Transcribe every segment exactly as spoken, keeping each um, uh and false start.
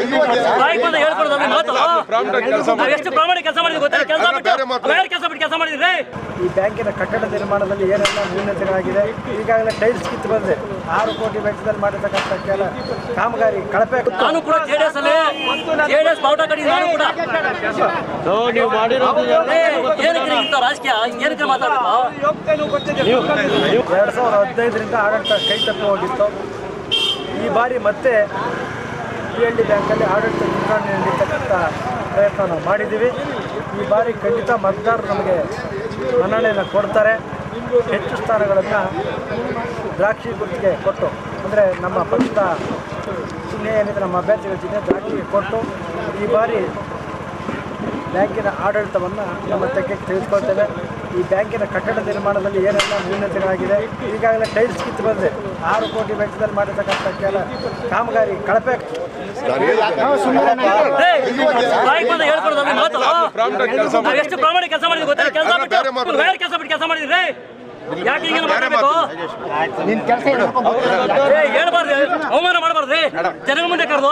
ಬಾಯಿಗೆ ಬಂದ ಹೇಳ್ಕೊಡೋದು ಮಾತು. ನಾವು ಎಷ್ಟು ಪ್ರಾಮಾಣಿಕ ಕೆಲಸ ಮಾಡಿದ್ವಿ ಗೊತ್ತಾ? ಕೆಲಸ ಬಿಟ್ಟು ಬೇರೆ ಕೆಲಸ ಬಿಟ್ಟು ಕೆಲಸ ಮಾಡಿದ್ರಿ. ಈ ಬ್ಯಾಂಕಿನ ಕಟ್ಟಡ ನಿರ್ಮಾಣದಲ್ಲಿ ಏನೆಲ್ಲ ನ್ಯೂನತೆಗಳಾಗಿದೆ, ಈಗಾಗಲೇ ಟೈಲ್ಸ್ ಕಿತ್ತು ಬಂದಿದೆ. ಆರು ಕೋಟಿ ವೆಚ್ಚದಲ್ಲಿ ಮಾಡಿರ್ತಕ್ಕಂಥ ಕೆಲ ಕಾಮಗಾರಿ ಕಳಪೆ. ನಾನು ಕೂಡ ಜೆಡಿಎಸ್ ಅಲ್ಲಿ ಜೆಡಿಎಸ್ ಬಾವುಟ ಕಟ್ಟಿದ್ದು ನಾನು ಕೂಡ. ನೀವು ಮಾಡಿರೋದು ಏನಕ್ಕೆ ಇಂಥ ರಾಜಕೀಯ ಏನಕ್ಕೆ ಮಾತಾಡೋದು? ಎರಡು ಸಾವಿರದ ಹದಿನೈದರಿಂದ ಆಡಳಿತ ಕೈ ತಪ್ಪಿ ಹೋಗಿತ್ತು. ಈ ಬಾರಿ ಮತ್ತೆ ಪಿ ಎಲ್ ಡಿ ಬ್ಯಾಂಕಲ್ಲಿ ಆಡಳಿತ ಚುನಾವಣೆ ನೀಡತಕ್ಕಂಥ ಪ್ರಯತ್ನ ನಾವು ಮಾಡಿದ್ದೀವಿ. ಈ ಬಾರಿ ಖಂಡಿತ ಮತದಾರರು ನಮಗೆ ಮನ್ನಣೆಯನ್ನು ಕೊಡ್ತಾರೆ. ಹೆಚ್ಚು ಸ್ಥಾನಗಳನ್ನು ದ್ರಾಕ್ಷಿ ಗುರುತಿಗೆ ಕೊಟ್ಟು, ಅಂದರೆ ನಮ್ಮ ಪಕ್ಷದ ಚಿಹ್ನೆ ಏನಿದೆ, ನಮ್ಮ ಅಭ್ಯರ್ಥಿಗಳ ಚಿಹ್ನೆ ದ್ರಾಕ್ಷಿಗೆ ಕೊಟ್ಟು ಈ ಬಾರಿ ಬ್ಯಾಂಕಿನ ಆಡಳಿತವನ್ನು ನಮ್ಮ ತೆಗೆಗೆ ತಿಳಿಸ್ಕೊಳ್ತೇವೆ. ಈ ಬ್ಯಾಂಕಿನ ಕಟ್ಟಡ ನಿರ್ಮಾಣದಲ್ಲಿ ಏನೆಲ್ಲ ನ್ಯೂನತೆಗಳಾಗಿದೆ, ಈಗಾಗಲೇ ಟೈಲ್ಸ್ ಕಿತ್ತು ಬಂದಿದೆ. ಆರು ಕೋಟಿ ವೆಚ್ಚದಲ್ಲಿ ಮಾಡಿರ್ತಕ್ಕಂಥ ಕೆಲ ಕಾಮಗಾರಿ ಕಳಪೆ. ಬಾಯಿಗೆ ಬಂದ ಹೇಳ್ಕೊಡೋದು ಮಾತು. ನಾವು ಎಷ್ಟು ಪ್ರಾಮಾಣಿಕ ಕೆಲಸ ಮಾಡಿದ್ವಿ ಗೊತ್ತಾ? ಕೆಲಸ ಬಿಟ್ಟು ಬೇರೆ ಕೆಲಸ ಬಿಟ್ಟು ಕೆಲಸ ಮಾಡಿದ್ರಿ. ಯಾಕೆ ಹಿಂಗೆ ಮಾಡಬೇಕು? ಹೇಳ್ಬಾರ್ದು, ಅವಮಾನ ಮಾಡಬಾರ್ದ್ರಿ. ಜನಗಳ ಮುಂದೆ ಕರೆದು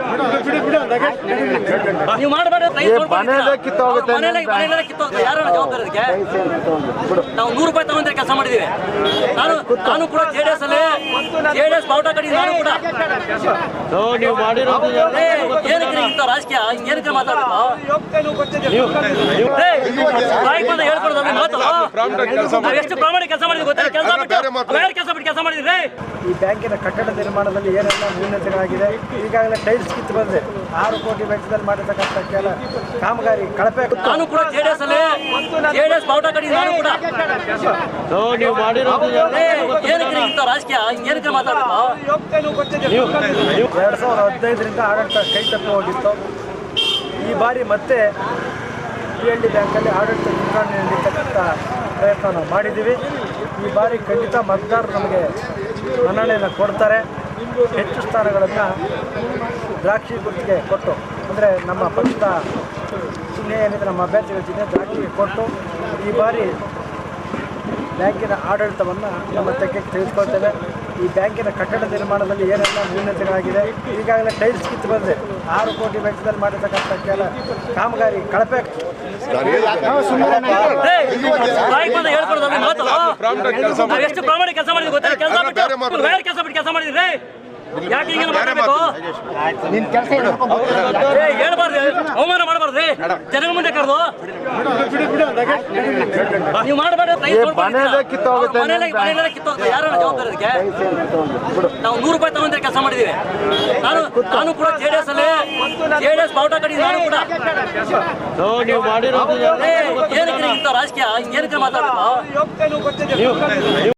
ನೀವು ಮಾಡಬಾರ್ದು. ಮನೆಯಲ್ಲೇ ಕಿತ್ತೋಗುತ್ತೆ. ಯಾರು ಜವಾಬ್ದಾರಿ ಅದಕ್ಕೆ? ನಾವು ನೂರು ರೂಪಾಯಿ ತಗೊಂಡ್ರೆ ಕೆಲಸ ಮಾಡಿದೀವಿ. ನಾನು ನಾನು ಕೂಡ ಜೆಡಿಎಸ್ ಅಲ್ಲಿ ಜೆಡಿಎಸ್ ಬಾವುಟ ಕಟ್ಟಿದ್ದು ನಾನು ಕೂಡ. ನೀವು ಮಾಡಿರೋದು ಏನಕ್ಕೆ ಇಂಥ ರಾಜಕೀಯ ಏನಕ್ಕೆ ಮಾತಾಡೋದು? ಬಾಯಿಗೆ ಬಂದ ಹೇಳ್ಕೊಡೋದು ಮಾತು. ನಾವು ಎಷ್ಟು ಪ್ರಾಮಾಣಿಕ ಕೆಲಸ ಮಾಡಿದ್ವಿ ಗೊತ್ತಾ? ಕೆಲಸ ಬಿಟ್ಟು ಬೇರೆ ಕೆಲಸ ಬಿಟ್ಟು ಕೆಲಸ ಮಾಡಿದ್ರಿ. ಈ ಬ್ಯಾಂಕಿನ ಕಟ್ಟಡ ನಿರ್ಮಾಣದಲ್ಲಿ ಏನೆಲ್ಲ ನ್ಯೂನತೆಗಳಾಗಿದೆ, ಈಗಾಗಲೇ ಟೈಲ್ಸ್ ಕಿತ್ತು ಬಂದಿದೆ. ಆರು ಕೋಟಿ ವೆಚ್ಚದಲ್ಲಿ ಮಾಡಿರ್ತಕ್ಕಂಥ ಕೆಲ ಕಾಮಗಾರಿ ಕಳಪೆ. ನಾನು ಕೂಡ ಜೆಡಿಎಸ್ ಅಲ್ಲಿ ಜೆಡಿಎಸ್ ಬಾವುಟ ಕಟ್ಟಿದ್ದು ನಾನು ಕೂಡ. ನೀವು ಮಾಡಿರೋದು ಏನಕ್ಕೆ ಇಂಥ ರಾಜಕೀಯ ಏನಕ್ಕೆ ಮಾತಾಡೋದು? ಎರಡು ಸಾವಿರದ ಹದಿನೈದರಿಂದ ಆಡಳಿತ ಕೈ ತಪ್ಪಿ ಹೋಗಿತ್ತು. ಈ ಬಾರಿ ಮತ್ತೆ ಪಿ ಎಲ್ ಡಿ ಬ್ಯಾಂಕಲ್ಲಿ ಆಡಳಿತ ಚುನಾವಣೆ ನೀಡತಕ್ಕಂಥ ಪ್ರಯತ್ನ ನಾವು ಮಾಡಿದ್ದೀವಿ. ಈ ಬಾರಿ ಖಂಡಿತ ಮತದಾರರು ನಮಗೆ ಮನ್ನಣೆಯನ್ನು ಕೊಡ್ತಾರೆ. ಹೆಚ್ಚು ಸ್ಥಾನಗಳನ್ನು ದ್ರಾಕ್ಷಿ ಗುರುತಿಗೆ ಕೊಟ್ಟು, ಅಂದರೆ ನಮ್ಮ ಪಕ್ಷದ ಚಿಹ್ನೆ ಏನಿದೆ, ನಮ್ಮ ಅಭ್ಯರ್ಥಿಗಳ ಚಿಹ್ನೆ ದ್ರಾಕ್ಷಿಗೆ ಕೊಟ್ಟು ಈ ಬಾರಿ ಬ್ಯಾಂಕಿನ ಆಡಳಿತವನ್ನು ನಮ್ಮ ತೆಗೆಗೆ ತಿಳಿಸ್ಕೊಳ್ತೇವೆ. ಈ ಬ್ಯಾಂಕಿನ ಕಟ್ಟಡ ನಿರ್ಮಾಣದಲ್ಲಿ ಏನೆಲ್ಲ ನ್ಯೂನತೆಗಳಾಗಿದೆ, ಈಗಾಗಲೇ ಟೈಲ್ಸ್ ಕಿತ್ತು ಬಂದಿದೆ. ಆರು ಕೋಟಿ ವೆಚ್ಚದಲ್ಲಿ ಮಾಡಿರ್ತಕ್ಕಂಥ ಕೆಲ ಕಾಮಗಾರಿ ಕಳಪೆ. ಬಾಯಿಗೆ ಬಂದ ಹೇಳ್ಕೊಡೋದು ಮಾತು. ನಾವು ಎಷ್ಟು ಪ್ರಾಮಾಣಿಕ ಕೆಲಸ ಮಾಡಿದ್ವಿ ಗೊತ್ತಾ? ಕೆಲಸ ಬಿಟ್ಟು ಬೇರೆ ಕೆಲಸ ಬಿಟ್ಟು ಕೆಲಸ ಮಾಡಿದ್ರಿ. ಯಾಕೆ ಹಿಂಗೆ ಮಾಡಬೇಕು? ಹೇಳ್ಬಾರ್ದು, ಅವಮಾನ ಮಾಡಬಾರ್ದ್ರಿ. ಜನಗಳ ಮುಂದೆ ಕರೆದು ನೀವು ಮಾಡಬಾರ್ದು. ಮನೆಯಲ್ಲೇ ಕಿತ್ತೋಗುತ್ತೆ. ಯಾರು ಜವಾಬ್ದಾರಿ ಅದಕ್ಕೆ? ನಾವು ನೂರು ರೂಪಾಯಿ ತಗೊಂಡ್ರೆ ಕೆಲಸ ಮಾಡಿದೀವಿ. ನಾನು ನಾನು ಕೂಡ ಜೆಡಿಎಸ್ ಅಲ್ಲಿ ಜೆಡಿಎಸ್ ಬಾವುಟ ಕಟ್ಟಿದ್ದು ನಾನು ಕೂಡ. ನೀವು ಮಾಡಿರೋದು ಏನಕ್ಕೆ ಇಂಥ ರಾಜಕೀಯ ಏನಕ್ಕೆ ಮಾತಾಡೋದು?